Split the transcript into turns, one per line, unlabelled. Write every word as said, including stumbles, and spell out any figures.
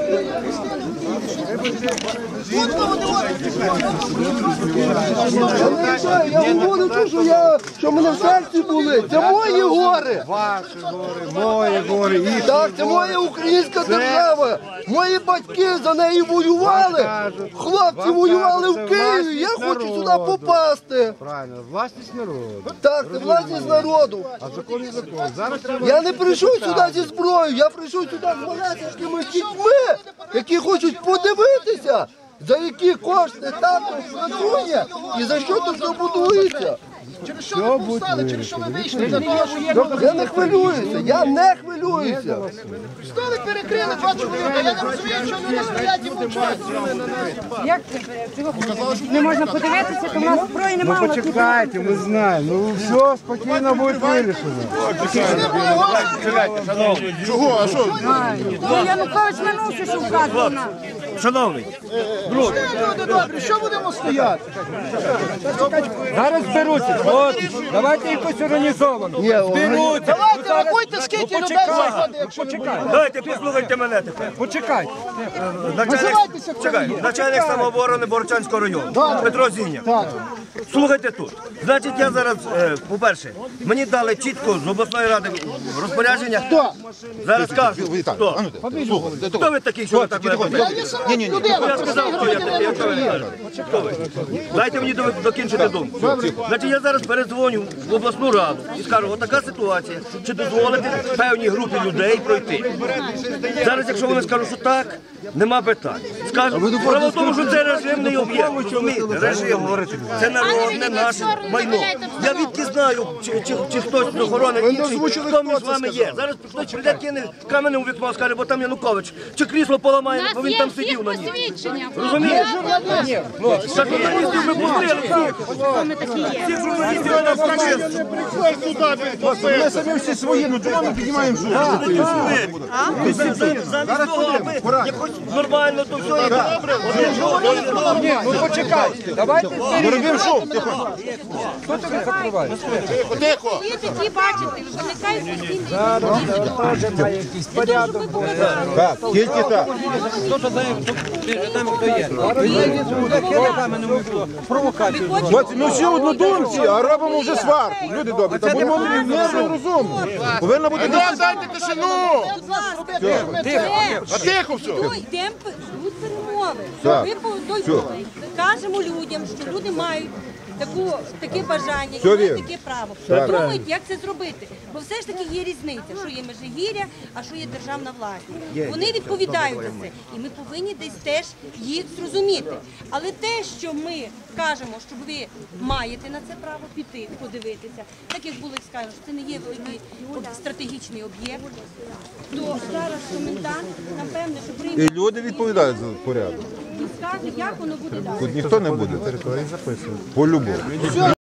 Я говорю, що я, що мене в серці були. Це мої гори.
Ваші гори, мої гори, їх.
Так, це моя українська держава. Мої батьки за неї воювали. Хлопці воювали в Києві. Я хочу сюди попасти.
Правильно, власність народу.
Так, це власність народу.
А закон є закон. Зараз треба...
Я не прийшов сюди зі зброєю, я прийшов сюди з малесенькими дітьми, які хочуть подивитися, за які кошти також працює і за що тут все будується.
Через що ви повстали, через що ви вийшли? Для того, щоб
Я не хвилююся, я не хвилююся.
столик перекрили два чоловіка. Я не розумію, що люди стоять і мовчать.
Як не можна подивитися, то в нас зброї немає.
Ну почекайте, ми знаємо. Ну все, спокійно буде вирішено.
Чого? А що?
Ну, Янукович минувся, що вказував нам.
Шановний,
Люди добрі, що будемо стояти?
Зараз зберуться. От, давайте якось організовано. Зберуться.
Давайте, рахуйте, скільки людей заходить, якщо ви будете.
давайте послухайте мене тепер.
Почекайте.
Начальник,
Називайтеся, хто
чекай,
є.
начальник самооборони Борочанського району, Петро Зіня. Слухайте тут. Значить, я зараз, е, по-перше, мені дали чітко з обласної ради розпорядження.
Хто?
Зараз кажу, хто? Хто ви такий, що ви так мене?
Я є сама людина.
Я сказав, хто я такий, я хто ви кажу. Хто ви? Дайте мені до- докінчити думку. Значить, я зараз передзвоню в обласну раду і скажу, отака ситуація, чи дозволити певній групі людей пройти. Зараз, якщо вони скажуть, що так, нема питань. Скажу, справа в тому, що це режимний об'єкт, розумієте, режимний. Це народне наше майно. Я відки знаю, чи, чи, чи хтось з охорони інший, хто між вами є. Зараз хтось прийде, кине каменем у вікно, скаже, бо там Янукович. Чи крісло поламає, бо він там сидів на ній. Розумієте? Та журналістів ми пустили всіх. Всіх журналістів ви нас пустили.
Ми самі всі свої, ну чого ми піднімаємо
Замість того, аби якось нормально, то все і добре.
Ні, ну почекайте. Давайте зберіться. Хто тобі закриває?
Є такі, бачите, виникають постійні.
Теж має якийсь порядок.
Так, тільки так. Хлопці, ми всі однодумці, а робимо вже сварку. Люди добрі, та будемо мирно розумно. Повинна бути дисципліна.
Дайте тишину! А тихо все!
Йдемо тут перемови.
Так.
Ми по той кажемо людям, що люди мають таку, таке бажання,
Все
мають
вірно.
таке право.
Так.
Думають, як це зробити. Бо все ж таки є різниця, що є Межигір'я, а що є державна власність. Вони відповідають за це. І ми повинні десь теж їх зрозуміти. Але те, що ми кажемо, що ви маєте на це право піти, подивитися, так як були сказано, що це не є великий об- стратегічний об'єкт, то зараз комендант, напевне, що прийме
І люди відповідають за порядок.
і скаже, як воно буде далі.
Тут ніхто не буде. По-любому.